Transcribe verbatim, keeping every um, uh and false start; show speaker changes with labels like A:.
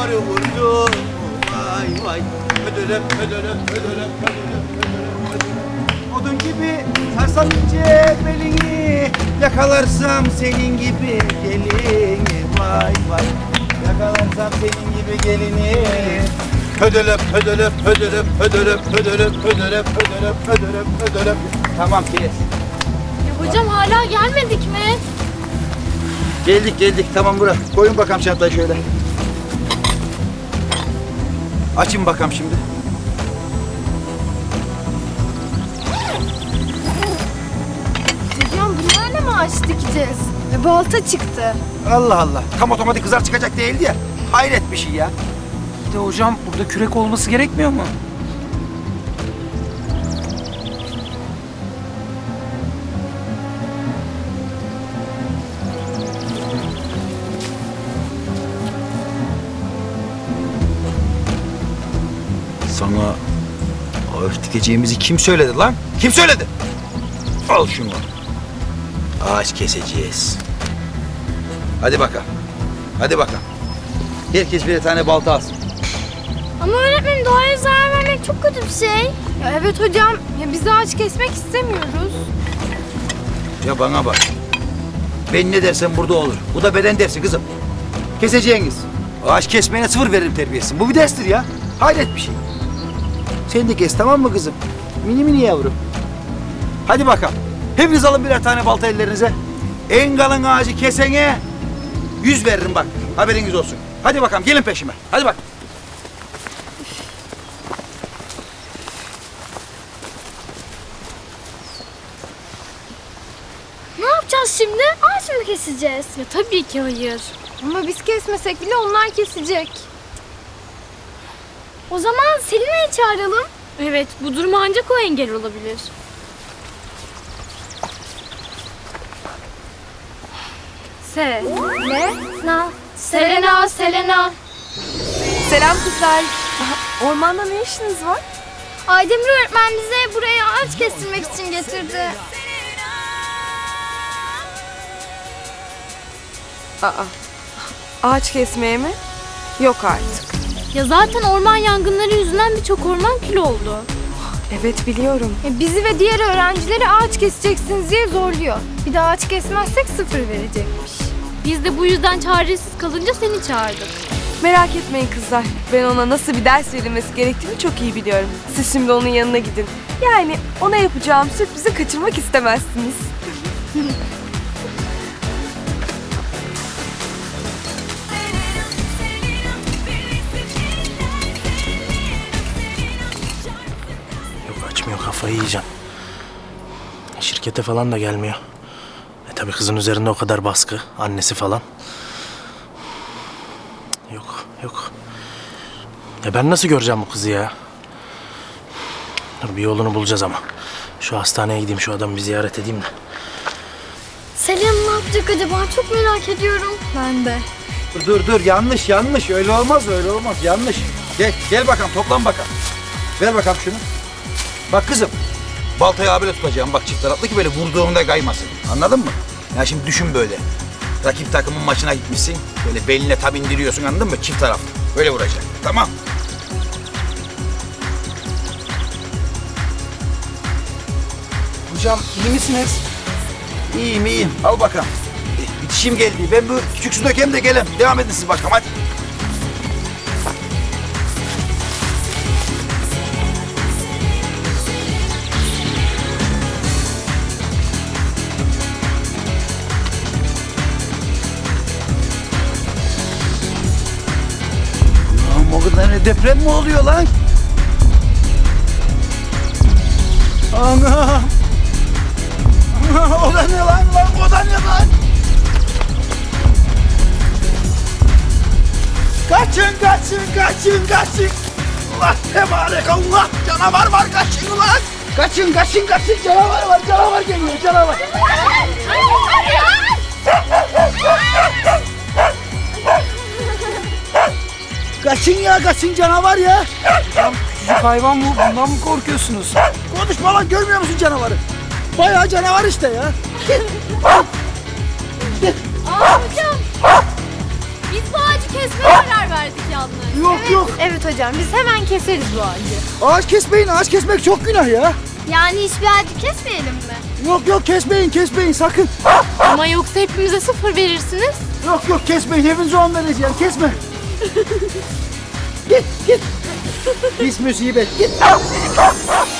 A: arı vurdu. Vay vay. Ödülüm, ödülüm, ödülüm, ödülüm, ödülüm. Odun gibi sarsam ince belini, yakalarsam senin gibi gelini. Vay vay. Yakalarsam senin gibi gelini. Ödülüm, ödülüm, ödülüm, ödülüm, ödülüm, ödülüm, ödülüm, ödülüm, ödülüm. Tamam kes.
B: Ya hocam hala gelmedik mi?
A: Geldik geldik tamam bırak. Koyun bakalım çantayı şöyle. Açın bakalım şimdi.
B: Hocam bunlarla mı ağaç dikeceğiz? E, balta çıktı.
A: Allah Allah. Tam otomatik kızar çıkacak değildi ya. Hayret bir şey ya.
C: Bir de hocam burada kürek olması gerekmiyor mu?
A: Sana ağaç dikeceğimizi kim söyledi lan? Kim söyledi? Al şunu. Ağaç keseceğiz. Hadi bakalım. Hadi bakalım. Herkes bir tane balta alsın.
B: Ama öğretmenim doğaya zarar vermek çok kötü bir şey. Ya evet hocam. Ya biz ağaç kesmek istemiyoruz.
A: Ya bana bak. Ben ne dersem burada olur. Bu da beden dersi kızım. Keseceğiniz. Ağaç kesmeyene sıfır veririm terbiyesi. Bu bir derstir ya. Hayret bir şey. Sen de kes tamam mı kızım? Mini mini yavrum. Hadi bakalım. Hepiniz alın birer tane balta ellerinize. En kalın ağacı kesene yüz veririm bak. Haberiniz olsun. Hadi bakalım gelin peşime. Hadi bak.
B: Ne yapacağız şimdi? Ağaç mı keseceğiz? Ya tabii ki hayır. Ama biz kesmesek bile onlar kesecek. O zaman Selina'yı çağıralım. Evet, bu duruma ancak o engel olabilir. Se. Ne? Na. Selena, Selena.
D: Selam kızlar. Aha, ormanda ne işiniz var?
B: Aydemir öğretmen bize buraya ağaç kestirmek için getirdi.
D: Aa, ağaç kesmeye mi? Yok artık.
B: Ya zaten orman yangınları yüzünden birçok orman kül oldu.
D: Evet biliyorum.
B: E, bizi ve diğer öğrencileri ağaç keseceksiniz diye zorluyor. Bir de ağaç kesmezsek sıfır verecekmiş. Biz de bu yüzden çaresiz kalınca seni çağırdık.
D: Merak etmeyin kızlar. Ben ona nasıl bir ders verilmesi gerektiğini çok iyi biliyorum. Siz şimdi onun yanına gidin. Yani ona yapacağım sürprizi kaçırmak istemezsiniz.
C: Yok açmıyor, kafayı yiyeceğim. Şirkete falan da gelmiyor. E tabii kızın üzerinde o kadar baskı, annesi falan. Yok, yok. Ya ben nasıl göreceğim bu kızı ya? Dur bir yolunu bulacağız ama. Şu hastaneye gideyim, şu adamı bir ziyaret edeyim de.
B: Selena ne yapacak acaba? Çok merak ediyorum. Ben de.
A: Dur dur dur yanlış yanlış öyle olmaz öyle olmaz yanlış. Gel gel bakalım toplan bakalım. Ver bakalım şunu. Bak kızım baltayı abiyle tutacağım bak çift taraflı ki böyle vurduğunda kaymasın. Anladın mı? Ya şimdi düşün böyle. Rakip takımın maçına gitmişsin. Böyle beline tam indiriyorsun anladın mı? Çift taraflı. Böyle vuracak. Tamam.
C: Hocam iyi misiniz?
A: İyiyim iyiyim. Al bakalım. E, bitişim geldi. Ben bu küçük su dökeyim de gelin. Devam edin siz bakalım hadi. Lan o kadar ne deprem mi oluyor lan? Ana! O da ne lan lan? O da ne lan? Kaçın kaçın kaçın kaçın. Allah tebarek Allah canavar var kaçın lan. Kaçın kaçın kaçın canavar var canavar geliyor canavar. Kaçın ya kaçın canavar ya.
C: Küçücük hayvan bu, bundan mı korkuyorsunuz?
A: Konuşma lan görmüyor musun canavarı? Bayağı canavar işte ya.
B: Aa hocam. Biz bu ağacı kesmeye karar verdik yalnız. Evet hocam biz hemen keseriz bu ağacı.
A: Ağaç kesmeyin, ağaç kesmek çok günah ya.
B: Yani hiçbir ağacı kesmeyelim mi?
A: Yok yok kesmeyin, kesmeyin sakın.
B: Ama yoksa hepimize sıfır verirsiniz.
A: Yok yok kesmeyin, hepinize on vereceğim, kesme. Git, git. Pis musibet, git.